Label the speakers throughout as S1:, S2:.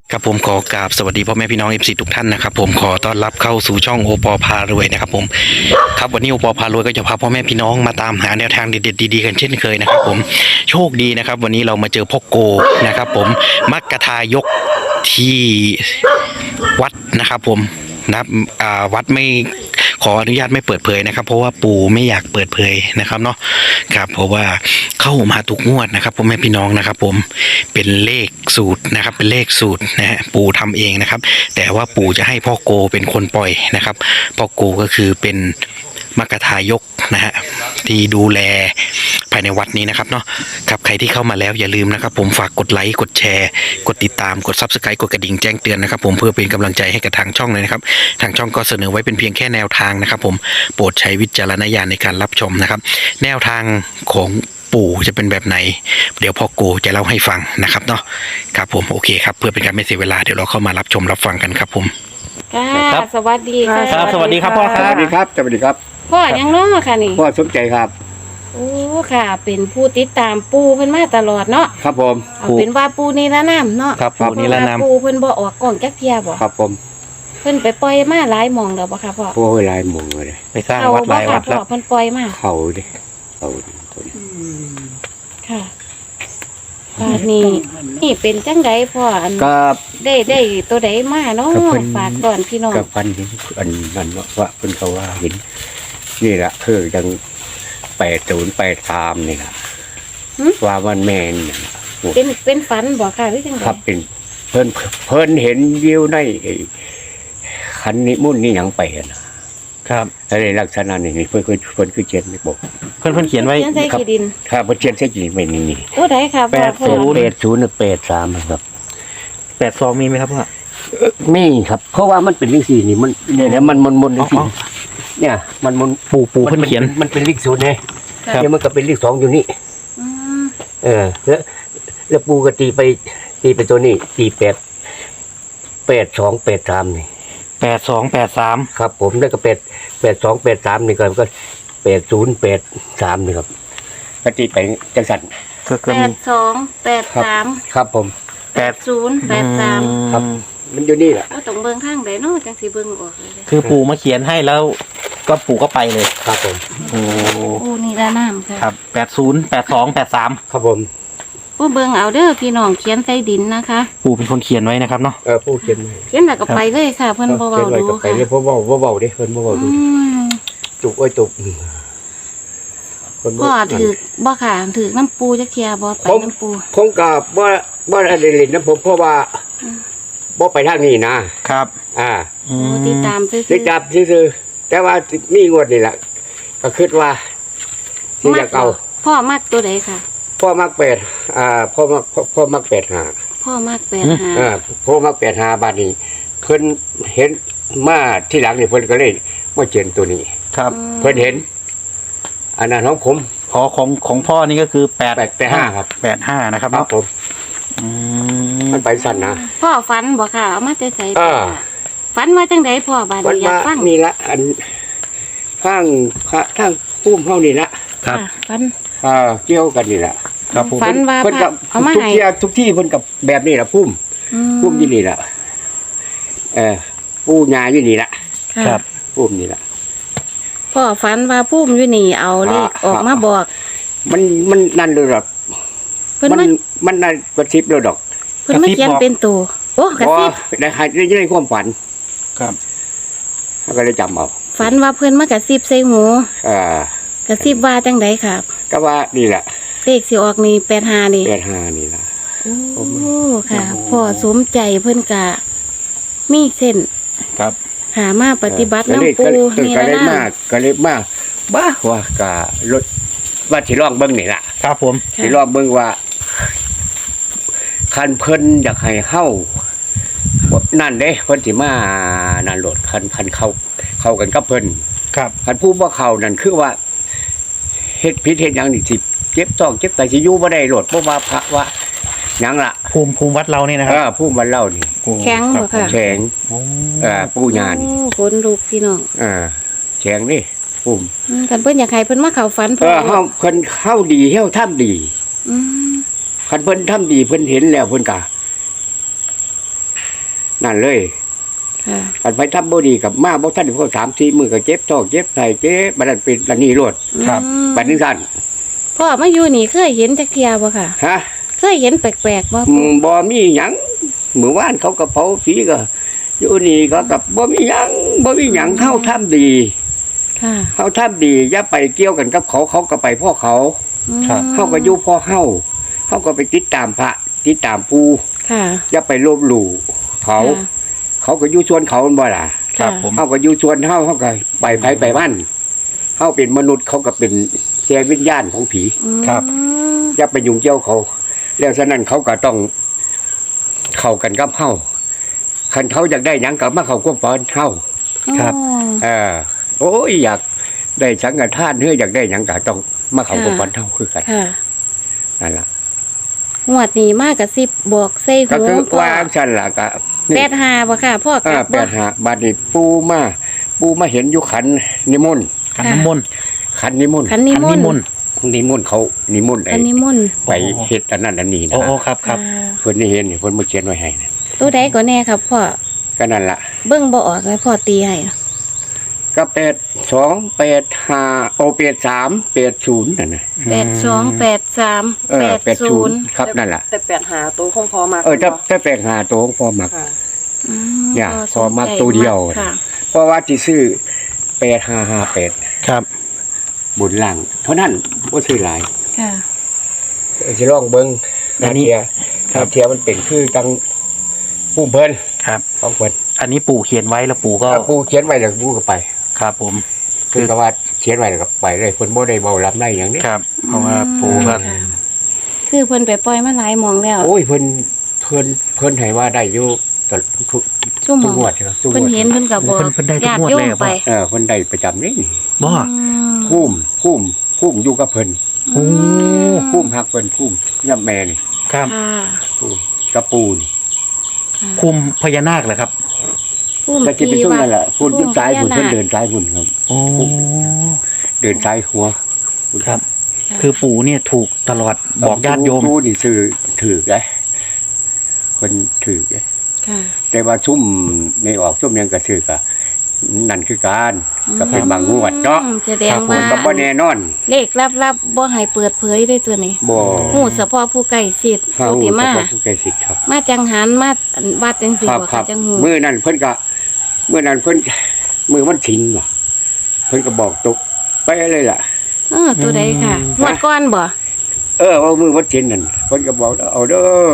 S1: ครับผมขอกราบสวัสดีพ่อแม่พี่น้องFCทุกท่านนะครับผมขอต้อนรับเข้าสู่ช่องโอปอพารวยนะครับผมครับวันนี้โอปอพารวยก็จะพาพ่อแม่พี่น้องมาตามหาแนวทางเด็ดๆดีๆกันเช่นเคยนะครับผมโชคดีนะครับวันนี้เรามาเจอพ่อโกนะครับผมมักกะทายกที่วัดนะครับผมนะวัดไม่ขออนุญาตไม่เปิดเผยนะครับเพราะว่าปู่ไม่อยากเปิดเผยนะครับเนาะครับเพราะว่าเข้ามาทุกงวดนะครับพ่อแม่พี่น้องนะครับผมเป็นเลขสูตรนะครับเป็นเลขสูตรนะฮะปู่ทำเองนะครับแต่ว่าปู่จะให้พ่อโกเป็นคนปล่อยนะครับพ่อโกก็คือเป็นมัคคทายกนะฮะที่ดูแลภายในวัดนี้นะครับเนาะครับใครที่เข้ามาแล้วอย่าลืมนะครับผมฝากกดไลค์กดแชร์กดติดตามกด Subscribe กดกระดิ่งแจ้งเตือนนะครับผมเพื่อเป็นกำลังใจให้กับทางช่องเลยนะครับทางช่องก็เสนอไว้เป็นเพียงแค่แนวทางนะครับผมโปรดใช้วิจารณญาณในการรับชมนะครับแนวทางของปู่จะเป็นแบบไหนเดี๋ยวพ่อโกจะเล่าให้ฟังนะครับเนาะครับผมโอเคครับเพื่อเป็นการไม่เสียเวลาเดี๋ยวเราเข้ามารับชมรับฟังกันครับผม
S2: ค่ะ
S1: ครับ
S2: สวัสดีค่ะ
S1: ครับสวัสดีครับพ่อค
S3: ส
S1: รับ
S3: วัสดีครับสวัสดีครับ
S2: พ่อยังน้อค่ะนี่
S3: พ่อสมใจครับ
S2: โอ้ค่ะ เป็นผู้ติดตามปูเพิ่นมาตลอดเนาะ
S3: ครับผม
S2: เอาเป็นว่าปูนี่ละน้ำเนาะ
S1: ครับปู่นี่ละน้ำ
S2: ปูเพิ่นบ่ออกกล่องจักเทียบ่
S3: ครับผม
S2: เพิ่นไปปล่อยมาหลายหม่องแล้วบ่ค่ะพ่อ
S3: โอ้ยลายหมุงเลย
S1: ไปสร้าง
S2: เอา
S1: วัดห
S2: บ่
S1: ลาย
S2: ค่ะ
S1: วัด
S2: พ่
S1: แล้
S2: อ
S1: ว
S2: เพิ่นปล่อยมา
S3: เขาดิเขาดิ
S2: ค่ะบาดนี้นี่เป็นจังไดพ่ออัน
S3: ก็
S2: ได้ตัวใดมาเนาะ
S3: ก็เพิ่น
S2: ฝากก่อนพี่น้อง
S3: กับพันเห็นอันนั้นว่าเพิ่นเขาว่าเห็นนี่แหละคือจัง8083นี่ล่ะว่ามันแม่นนี่ล่ะ
S2: เป็นฝันบ่ค่ะหรือจังได
S3: ครับเป็นเพิ่นเห็นวิวในไอ้คันนิมุ่นต์นี่หยังไปนะครับ อะไรลักษณะนี้เพิ่นคือเขียนไม่บอก
S1: เพื่อนเขียนไว้
S2: เขียนใส่ขี้ดิน
S3: ครับเพิ่นเขียนใส่กี่ไม่นี่
S2: ตัวใดค่ะพ่อพ่อ
S3: 8083ครับ
S1: 82มีไหมครับพ่อ
S3: มีครับเพราะว่ามันเป็นเลขสี่นี่มันเนี่ยมันเลขสี่เนี่ยมัน
S1: ปู่เพื่อนเขียน
S3: มันเป็นเลขศูนย์ไง
S2: ค่ะ
S3: เนี่ยมันก็เป็นเลขสองอยู่นี่
S2: อืม
S3: แล้วปูก็ตีไปตัวนี้ตี8283นี่
S1: 8283
S3: ครับผมแล้วก็8283นี่ก็8083นี่ครับก็ตีไปจังสัน
S1: ก็มี
S2: 8283
S3: ครับผม
S2: 8083
S3: ครับ มันอยู่นี่แหละ
S2: ว่าต้องเบิ่งทางใดเนาะจังสิเบิ่งออกเลย
S1: คือปู่มาเขียนให้แล้วก็ปู่ก็ไปเลย
S3: ครับผม
S1: โอ้
S2: โอ้นี่ละน้ำค่ะ
S1: ครับ808283
S3: ครับผม
S2: ผู้เบิ่งเอาเด้อพี่น้องเขียนใส่ดินนะคะ
S1: ปู่เป็นคนเขียนไว้นะครับเนาะ
S3: ผู้เขียนไว้
S2: เขียนแล้วก็ไปเลยค่ะ เพิ่นบ่เว้า
S3: เขียนไว้
S2: ดู
S3: ก็ไป
S2: ค่ะ
S3: เลยเพราะเบาดิเพิ่นเบา
S2: อื
S3: ดู
S2: ม
S3: จุกไว้จุกคนบ่
S2: พ่อถือบ่ค่ะถือน้ำปูจักเที่ยบ่ไปน้ำปู
S3: คงกับว่าอะไรเล่นนะผมเพราะว่าบ่ไปทางนี้นะครับ
S2: โอ้ติดตามซื่อ
S3: ติดจับซื่อๆแต่ว่ามีงวดนี่แหละก็คิดว่าที่อยากเอา
S2: พ่อมักตัวใดค่ะ
S3: พ่อมักพ่อมัก85
S2: พ่อมัก85
S3: พ่อมัก85บาทนี้เพิ่นเห็นมาที่หลังนี่เพิ่นก็เลยมาเขียนตัวนี้
S1: ครับ
S3: เพิ่นเห็นอันนั้นของผม
S1: ขอของพ่อนี่ก็คือ
S3: 85ครับ
S1: 85นะครับ
S3: ครับ
S1: เนาะ
S3: ผม
S1: อืม
S3: มันไปสั่นนะ
S2: พ่อฝันบ่ค่ะเอามาแต่ไส
S3: อ่า
S2: ฝันว่าจังไดพ่อบาด
S3: มัน
S2: นี้อยาก
S3: มา
S2: ฟัง
S3: นี่ละอันข้างทางปุ้มเฮานี่ละ
S1: ครับ
S2: ะฝัน
S3: เกี่ยวกันนี่ละ
S1: ครับผม
S2: ฝันว่า
S3: เพิ่นกับ
S2: เอามา
S3: ทุก
S2: ให้
S3: ที่ทุกที่เพิ่นกับแบบนี้ละปุ้ม
S2: อืม
S3: ปุ้มที่นี่ละปูญาอยู่นี่ละ
S2: ค่ะ
S1: ครับ
S3: ปุ้มนี่ละ
S2: พ่อฝันว่าพุ่มอยู่นี่เอาเลขออกมาบอก
S3: มันนั่นเลยหรอก
S2: เพิ่น
S3: มั
S2: มาน
S3: มันนั่นกระซิบเลยดอก
S2: เพิ่นมาเขียนเป็นตัวโอ้กระซิบ
S3: ได้ในความฝัน
S1: ครับ
S3: เขาก็เลยจำเอา
S2: ฝันว่าเพิ่นมากระซิบใส่หู
S3: อ่าก
S2: ระซิบว่าจังไดครับ
S3: ก็ว่านี่แหละ
S2: เลขสิออกนี่85นี่
S3: 85นี่ละ
S2: โอ้ค่ะพ่อสมใจเพิ่นกะมีเส้น
S1: ครับ
S2: หามาปฏิบัติน้ำปูนี่
S3: ก็
S2: ละ
S3: เลย
S2: นะ
S3: มากก็เลยมากบ้าว่ากะรถว่าสิลองเบิ่งนี่ล่ะ
S1: ครับผม
S3: สิลองเบิ่งว่าคันเพิ่นอยากให้เฮานั่นเด้เพิ่นสิมานั่นโหลดคันเข้ากันกับเพิ่น
S1: ครับ
S3: คันผู้บ่เข้านั่นคือว่าเฮ็ดผิดเฮ็ดหยังนี่สิเจ็บท้องเจ็บไตสิอยู่บ่ได้โหลดเพราะว่าพระว่าหยังล่ะ
S1: ภูมิวัดเราเนี่ยนะครับ
S3: ผู้มันเล่านี่
S2: แข็งบ่ค่ะ
S3: แข็ง
S1: โอ้
S3: ปู่ญานี่
S2: โอ้ขนลุกพี่น้อง
S3: แข็งนี่ผู้
S2: กันเพิ่นอยากให้เพิ่นมาเข้าฝันพ่อ
S3: เฮาเพิ่นเข้าดีเฮาทำดี
S2: อืม
S3: คันเพิ่นทำดีเพิ่นเห็นแล้วเพิ่นก็นั่นเลย
S2: ค่ะ
S3: กันไปทำบ่ดีกับมาบ่ทันพอ3-4 มื้อก็เจ็บท้องเจ็บไส้เจ็บบัดนั้นเป็นอันนี้โลด
S1: ครับ
S2: อืม
S3: บัดนี้ซั่น
S2: พ่อมาอยู่นี่เคยเห็นจักเที่ยบ่ค่ะ
S3: ฮะ
S2: เคยเห็นแปลกๆบ่
S3: บ่มีหยังมื้อวานเขาก็เผาผีก็อยู่นี่ก็กับบ่มีหยังเฮาทำดี
S2: ค่ะ
S3: เฮาทำดีอย่าไปเกี่ยวกันกับเขาเขาก็ไปพ่อเขา
S1: ครับ
S3: เฮาก็อยู่พ่อเฮาก็ไปติดตามพระติดตามปู่
S2: ค่ะ
S3: อย่าไปลบหลู่เขา
S2: ค่ะ
S3: เขาก็อยู่ส่วนเขาบ่ล่ะ
S1: ครับผม
S3: เฮาก็อยู่ส่วนเฮาก็ไปไผไปมันเฮาเป็นมนุษย์เขาก็เป็นแค่วิญญาณของผี
S1: ครับ
S2: อืม
S3: อย่าไปยุ่งเกี่ยวเขา แล้วฉะนั้นเขาก็ต้องเข้ากันกับเฮาคันเขาอยากได้หยังก็มาเข้าความฝันเฮา
S1: ครับ
S2: อ๋อ
S3: โอ้ยอยากได้สังฆทานเฮ้ยอยากได้หยังก็ต้องมาเข้าความฝันเฮาคือกัน
S2: ค่ะ
S3: นั่นล่ะ
S2: งวดนี้มากกับ10บอกใส่
S3: ก็
S2: หู
S3: คือ
S2: พ่อ
S3: วางซั่นล่ะก็นี่
S2: 85บ่ค่ะพ่อกลับบ่
S3: 85บัดนี้ปูมาเห็นอยู่ขันนิมนต์
S1: ขันน้ำมนต์
S3: ขันนิมนต์
S2: คันนิ
S1: ขัน
S2: ม
S1: นิ
S2: นต์
S1: มนต์
S3: นิมนต์เขานิมนต์
S2: คันนิมนต์
S3: ไปเฮ็ดอันนั้นอันนี้นะ
S1: โอ้โอ้ครับครับ
S2: อ่า
S3: เพิ่นได้เห็นเพิ่นมาเขียนไว้ให้นะ
S2: ตัวใดก็แน่ครับพ่อ
S3: ก็นั่นล่ะ
S2: เบิ่งบ่ออกเลยพ่อตีให้อะ
S3: ก็82 85โอ83 80นั่นน่ะ
S2: 8283
S3: 80ครับนั่นล่ะ
S4: แต่8หาตัวคงพอมาก
S3: ถ้าแปลงหาตัวของพ่อมัก
S4: ค่ะ
S2: อืม
S3: เนี่ย
S2: สนใจ
S3: พอมักตัวเดียว
S2: ค่ะ
S3: เพราะว่าสิซื้อ8558
S1: ครับ
S3: บนล่างเท่านั้นบ่ซื้อหลาย
S2: ค่ะ
S3: สิลองเบิ่ง
S1: อันนี้
S3: ถ้าเทียมันเป็นคือจังผู้เพิ่น
S1: ครับ
S3: ของเพิ่น
S1: อันนี้ปู่เขียนไว้แล้วปู่ก็
S3: ถ้าผู้เขียนไว้แล้วผู้ก็ไป
S1: ครับผม
S3: คือก็ว่าเขียนไว้แล้วก็ไปเลยเพิ่นบ่ได้เว้ารับได้หยังนี้
S1: ครับ เพราะว่าปู่ก็
S2: ค่ะคือเพิ่นไปปล่อยมาหลายหมองแล้ว
S3: โอ้ยเพิ่นให้ว่าได้อยู่ตลอดทุก
S2: ชั่วโม
S3: ทุก
S2: ง
S3: งวดครับทุกงวด
S2: เพิ่นเห็นเพิ่นก็บอก
S1: เพิ่นได้ทุก
S2: ญาติ
S1: งวด
S2: โย
S1: เลย
S2: ม
S1: เหรอ
S2: ไป
S3: เพิ่นได้ประจำนี่
S1: บ่
S2: อืม
S3: คุ้มอยู่กับเพิ่น
S1: โอ้
S3: คุ้มฮักเพิ่นคุ้มย่ำแม่นี่
S1: ครับ
S2: ค่ะ
S3: คุ้มกระปูน
S2: ค่ะ
S1: คุมพญานาคเหรอครับ
S2: ภูมิ
S3: ก็สิเป็นช่วงนั้นแหละพุ่น
S2: ภูมิ
S3: ซ้ายพุ่น
S2: พญ
S3: เพิ่น
S2: ค
S3: เดินซ้ายพุ่นครับ
S1: โอ้
S3: เดินซ้ายหัว
S1: ครับ คือปู่เนี่ยถูกตลอดบอกญาติโยม
S3: ผู้นี่ซื้อถือได้เพิ่นถือได้
S2: ค่ะ
S3: แต่ว่าซุ่มในออกซุ่มยังก็ซื้อก็นั่นคือการก็เป็นบางงวดเนาะ
S2: อืมแสดง
S3: ผ
S2: ว่า
S3: มก็บ่แน่นอน
S2: เลขลับๆบ่ให้เปิดเผยด้วยตัวนี้
S3: บ่
S2: ฮู้เฉพาะผู้ใกล้ชิด
S3: เฮา
S2: ผู้ที่มา
S3: เฉพาะผู้ใกล้ชิดครับ
S2: มาจังหันมาวัดจังซี่
S3: ครับ
S2: บ่
S3: ครั
S2: ค่ะ
S3: บ
S2: จังฮู้
S3: มื้อนั้นเพิ่นก็มื้อนั้นเพิ่นมื้อวันศีลว่ะเพิ่นก็บอกตกไปเลยล่ะ
S2: ตัวใดค่ะงวดก่อนบ่
S3: ว่ามื้อวันศีลนั่นเพิ่นก็บอกเอาเด้อ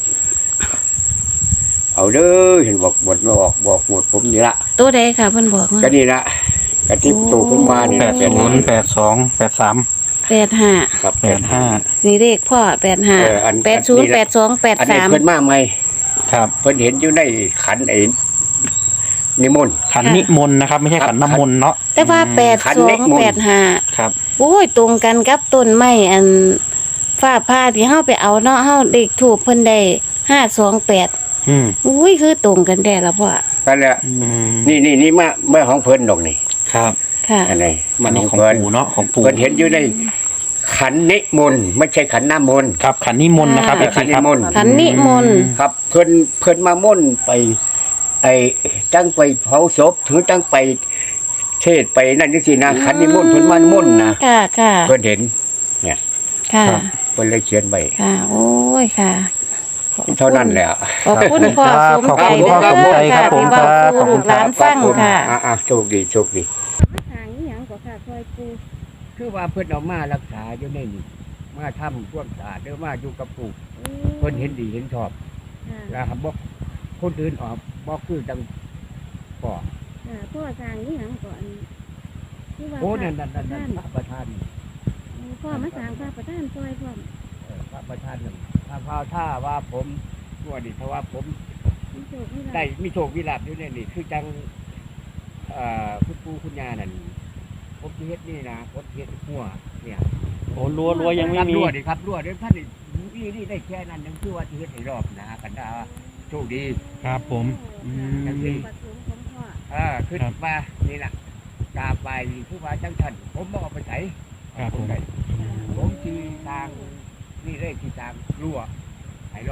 S3: เห็นบอกบ่บอกหมดผมนี่ละ
S2: ตัวใดค่ะเพิ่นบอกว่า
S3: ก็นี่ละก็ที่โตผมมานี่
S1: แป
S3: ล่ะ
S1: ดศูนย์82 83
S2: 85
S3: ครับ
S1: 85
S2: นี่เลขพ่อ
S3: อัน
S2: 85 80 82
S3: อันนี้เพิ่น
S2: 83
S3: มาใหม่
S1: ครับ
S3: เพิ่นเห็นอยู่ในขันไอ้นิมนต์
S1: ขันนิมนต์นะครับ ไม่ใช่ขันน้ำมนต์เนาะ
S2: แต่ว่า
S3: ขันเล็กมนต์
S2: 82
S1: ครับ
S2: 85โอ้ยตรงกันกับต้นไม้อันฟ้าผ่าที่เฮาไปเอาเนาะเฮาเลขถูกเพิ่นได้528
S1: อืม
S2: อุ้ยคือตรงกันแท้ละพ่อ
S3: ก็แล้ว
S1: อืม
S3: นี่มาของเพิ่นดอกนี่
S1: ครับ
S2: ค่ะ
S3: อันไหน
S1: อั
S3: มัน น
S1: นี้
S3: ของ
S1: ของ
S3: เพิ่น
S1: ปู่เนาะของปู่
S3: เพิ่นเห็นอยู่ในขันนิมนต์ไม่ใช่ขันน้ำมนต์
S1: ครับขันนิมนต์นะครับ
S2: อ่า
S1: FC
S3: ขันนิ
S1: ครับ
S3: มนต์
S2: ขันนิมนต์
S3: ครับเพิ่นมามนต์ไป ไอ้ตั้งไปเผาศพถือตั้งไปเทศไปนั่นนี่สินะขันนิมนต์เพิ่นมามนต์นะ
S2: ค่ะค่ะ
S3: เพิ่นเห็น
S2: ค่ะ
S3: เพิ่นเลยเขียนไว้
S2: ค่ะ โอ้ยค่ะ
S3: เท่านั้นแหละ
S2: ขอบคุณพ่อสมใจ
S1: ขอบคุณพ่อสมใจครับผม
S2: ที่
S1: ค
S2: เว้า
S1: รับ
S2: สู่ลูกหลานฟังค่ะ
S3: โชคดี
S2: ทางนี้หยังก็ค่ะคอยปู
S3: คือว่าเพิ่นเอามารักษาอยู่ในนี่มาทำความสะอาดเด้อมาอยู่กับปู่เพิ่นเห็นดีเห็นชอบ
S2: ค่ะ
S3: นะครับบ่คนอื่นออกบ่คือจังพ่อ
S2: ค่ะพ่อทางนี้หยังก่อนที่ว่า
S3: โอ้นั่นพระประธาน
S2: พ่อมาสร้างพระประธานซอยพร้อม
S3: พระประธานนั่นถ้าว่าผมตัวนี่เพราะว่าผม
S2: มีโชคมีลาภ
S3: ได้มีโชคมีลาภอยู่ในนี่คือจังคุณปู่คุณย่านั่นผมสิเฮ็ดนี่นะผมเฮ็ดหัวเนี่ย
S1: โอ้รัวยังไม่มี
S3: รั่วดิครับรั่วเดี๋ยวท่านนี่ได้แค่นั้นยังคือว่าสิเฮ็ดให้รอบนะกันดาโชคดี
S1: ครับผมอืม
S2: ประสงค์ของพ่อ
S3: ขึ้น
S1: ครับ
S3: มานี่ล่ะกราบไปคือว่าจังทันผมบ่เอาไปไส
S1: ครับผม
S3: ผมที่ทางนี่เลยที่ทางรั่วให้รอบ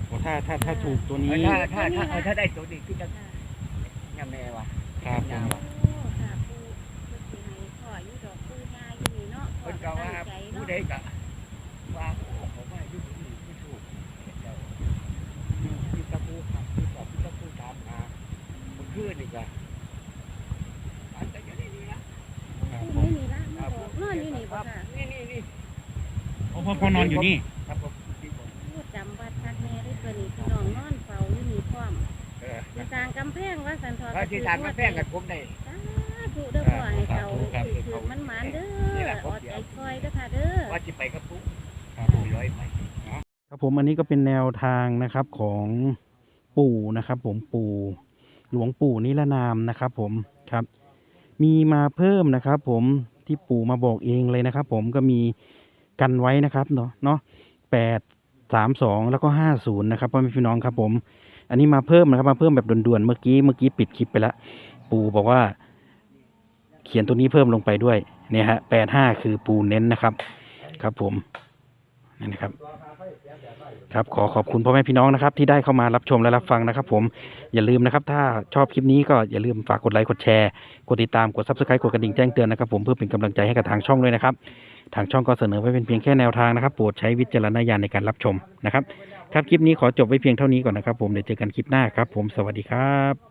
S1: ถ้าถูกตัวนี้
S3: ถ้าได้ตัวนี้คือจะยังแม่วะ
S1: ครับผม
S2: โอ้ค่ะปูเพิ่นสิให้พ่ออยู่ดอกปูยาอยู่นี่เนาะ
S3: เพิ่นก็ว่า
S2: ตั้งใจ
S3: ผู้
S2: เนาะ
S3: ใดก็ว่าผมว่าอยู่ที่นี่ไม่ถูกเจ้าที่ตะปูครับที่ตะปูตามมาเมื่อคืนนี่ก็อันแต่อยู่นี่ละ
S2: ปูนี่ล่ะมาบอกนอนอยู่นี่บ่ค่ะ
S3: นี่
S1: โอ้พ่อนอนอยู่นี่
S3: ครับผมที่ผม
S2: พูดจำวัดคักแน่ได้ตัวนี้พี่น้องนอนเฝ้าอยู่นี่พร้อมสิสร้างกำแพงว่าสันทอ
S3: พระที่ทานมาแป้งกับผมได้
S2: สาธุเด้อพ่อให้เจ้าถือมันหมานเด้ออดใจคอยเด้อค่ะเด้อ
S3: ว่าจะไปกับปุ๊
S1: ครับผม
S3: ร้อยไป
S1: ครับผมอันนี้ก็เป็นแนวทางนะครับของปู่นะครับ ผมปู่หลวงปู่นิรนามนะครับผมครับ มีมาเพิ่มนะครับ ผมที่ปู่มาบอกเองเลยนะครับ ผมก็มีกันไว้นะครับเนาะ832แล้วก็50นะครับพ่อแม่พี่น้องครับ ผมอันนี้มาเพิ่มนะครับมาเพิ่มแบบด่วนๆเมื่อกี้ปิดคลิปไปแล้วปู่บอกว่า เขียนตัวนี้เพิ่มลงไปด้วยเนี่ยฮะ85คือปู่เน้นนะครับ ครับผมนี่นะครับครับขอบคุณพ่อแม่พี่น้องนะครับ ที่ได้เข้ามารับชมและรับฟังนะครับ ผมอย่าลืมนะครับ ถ้าชอบคลิปนี้ก็อย่าลืมฝากกดไลค์กดแชร์กดติดตามกด Subscribe กดกระดิ่งแจ้งเตือนนะครับ ผมเพื่อเป็นกำลังใจให้กับทางช่องด้วยนะครับ ทางช่องก็เสนอไว้เป็นเพียงแค่แนวทางนะครับโปรดใช้วิจารณญาณในการรับชมนะครับครับคลิปนี้ขอจบไว้เพียงเท่านี้ก่อนนะครับ ผมเดี๋ยวเจอกันคลิปหน้าครับ ผมสวัสดีครับ